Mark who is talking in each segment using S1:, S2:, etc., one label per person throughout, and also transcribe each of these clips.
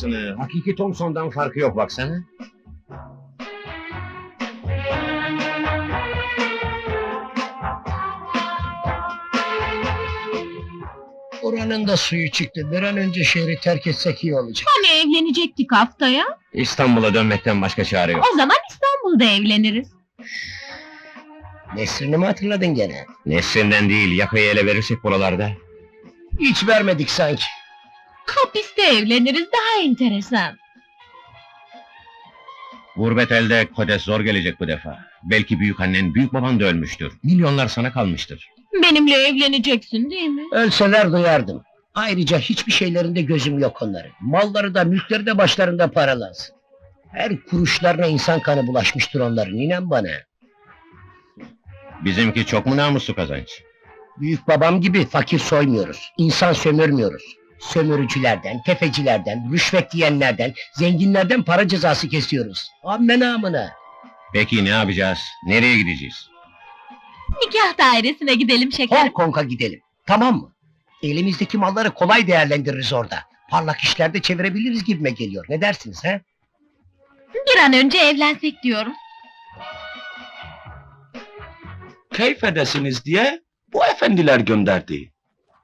S1: arabasını. Hakiki Thompson'dan farkı yok baksana.
S2: Oranın da suyu çıktı. Bir an önce şehri terk etsek iyi olacak.
S3: Hani evlenecektik haftaya?
S1: İstanbul'a dönmekten başka çare yok.
S3: O zaman İstanbul'da evleniriz.
S2: Nesrini mi hatırladın gene?
S1: Nesrinden değil, yakayı ele verirsek buralarda.
S2: Hiç vermedik sanki.
S3: Hapiste evleniriz, daha enteresan.
S1: Gurbet elde kodes zor gelecek bu defa. Belki büyükannen, büyük baban da ölmüştür. Milyonlar sana kalmıştır.
S3: Benimle evleneceksin değil mi?
S2: Ölseler duyardım. Ayrıca hiçbir şeylerinde gözüm yok onların. Malları da mülkleri de başlarında paralansın. Her kuruşlarına insan kanı bulaşmıştır onların, inan bana.
S1: Bizimki çok mu namuslu kazanç?
S2: Büyük babam gibi fakir soymuyoruz. İnsan sömürmüyoruz. Sömürücülerden, tefecilerden, rüşvet yiyenlerden, zenginlerden para cezası kesiyoruz. Amme namına.
S1: Peki ne yapacağız? Nereye gideceğiz?
S3: Nikah dairesine gidelim şekerim.
S2: Hong Kong'a gidelim. Tamam mı? Elimizdeki malları kolay değerlendiririz orada. Parlak işlerde çevirebiliriz gibime geliyor. Ne dersiniz he?
S3: Bir an önce evlensek diyorum.
S4: Keyif edesiniz diye bu efendiler gönderdi.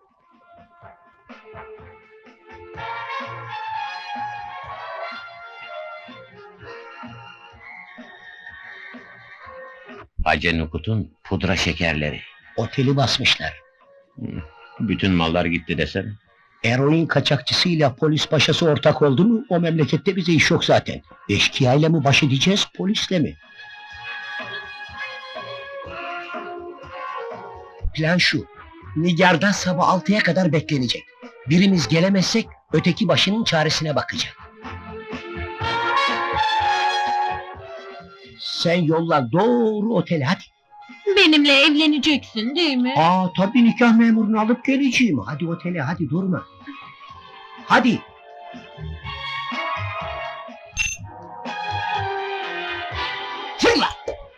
S1: Hacı Nukut'un pudra şekerleri.
S2: Oteli basmışlar.
S1: Bütün mallar gitti desene.
S2: Eroin kaçakçısıyla polis paşası ortak oldu mu o memlekette bize iş yok zaten. Eşkıyayla mı baş edeceğiz, polisle mi? Plan şu. Nigar'da sabah 6'ya kadar beklenecek. Birimiz gelemezsek öteki başının çaresine bakacak. Sen yolla doğru otele hadi.
S3: Benimle evleneceksin değil mi?
S2: Tabii nikah memurunu alıp geleceğim. Hadi otele hadi durma. Hadi. Fırla.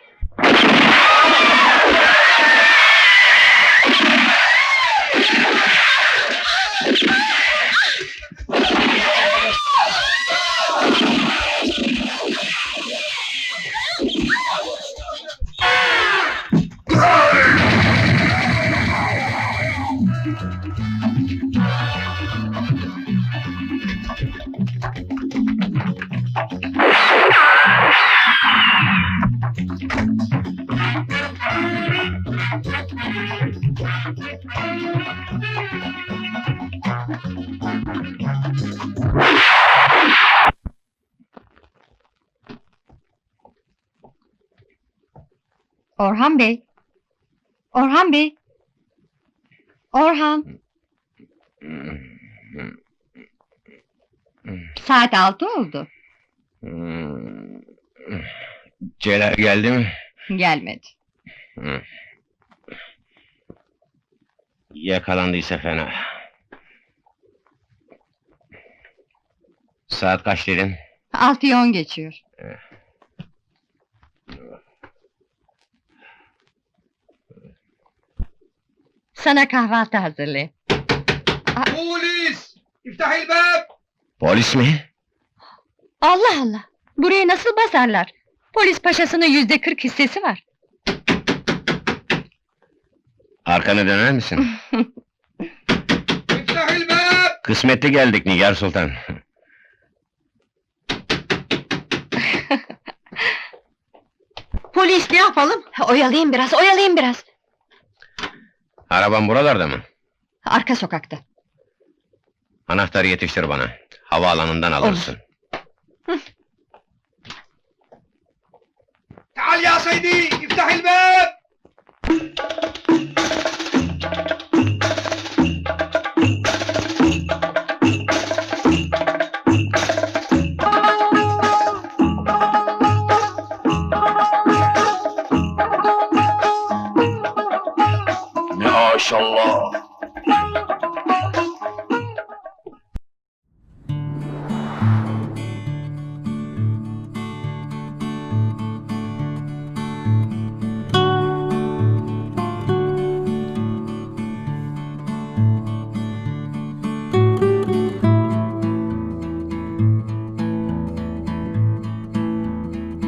S3: Orhan Bey. Orhan Bey. Orhan. Saat 6 oldu.
S1: Celal geldi mi?
S3: Gelmedi.
S1: Yakalandıysa fena. Saat kaç dedin?
S3: 6'yı 10 geçiyor. Sana kahvaltı hazırlayayım.
S4: Polis! İftahil bab!
S1: Polis mi?
S3: Allah Allah! Burayı nasıl basarlar? Polis paşasının %40 hissesi var.
S1: Arkanı döner misin?
S4: İftahil bab!
S1: Kısmetli geldik Nigar Sultan.
S3: Polis ne yapalım? Oyalayayım biraz, oyalayayım biraz.
S1: Araban buralarda mı?
S3: Arka sokakta.
S1: Anahtarı yetiştir bana. Havaalanından alırsın.
S4: تعال يا سيدي افتح الباب
S1: Maşallah.